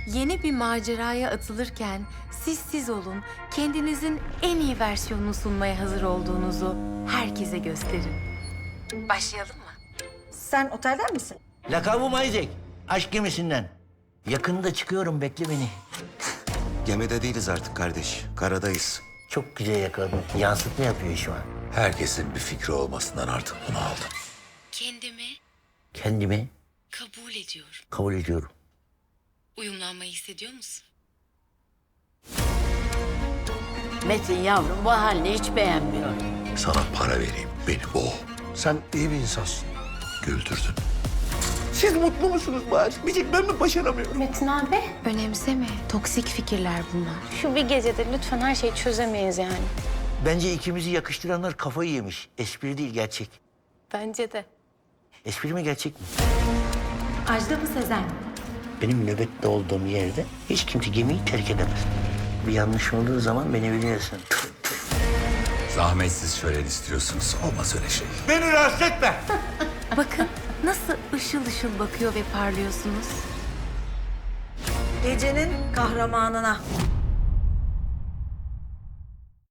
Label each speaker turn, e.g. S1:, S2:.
S1: Yeni bir maceraya atılırken siz olun, kendinizin en iyi versiyonunu sunmaya hazır olduğunuzu herkese gösterin. Başlayalım mı?
S2: Sen otelden misin?
S3: Lakabım Isaac. Aşk gemisinden. Yakında çıkıyorum, bekle beni.
S4: Gemide değiliz artık kardeş. Karadayız.
S3: Çok güzel yakaladın. Yansıtma yapıyor şu an.
S5: Herkesin bir fikri olmasından artık bunu aldım.
S1: Kendimi
S3: Kendimi
S1: kabul ediyorum.
S3: kabul ediyorum.
S1: Uyumlanmayı hissediyor musun?
S6: Metin yavrum bu halini hiç beğenmiyor.
S5: Sana para vereyim, beni boğ.
S7: Sen iyi bir insansın.
S5: Güldürdün.
S3: Siz mutlu musunuz bari? Bir tek ben mi başaramıyorum?
S8: Metin abi,
S1: Önemseme. Toksik fikirler bunlar.
S8: şu bir gecede lütfen her şeyi çözemeyiz yani.
S3: Bence ikimizi yakıştıranlar kafayı yemiş. Espri değil, gerçek.
S8: Bence de.
S3: Espri mi, gerçek mi?
S2: Ajda mı Sezen mi?
S3: Benim nöbette olduğum yerde hiç kimse gemiyi terk edemez. Bir yanlış olduğu zaman beni biliyorsun.
S5: Zahmetsiz şölen istiyorsunuz, olmaz öyle şey.
S3: Beni rahatsız etme.
S1: Bakın nasıl ışıl ışıl bakıyor ve parlıyorsunuz.
S2: Gecenin kahramanına.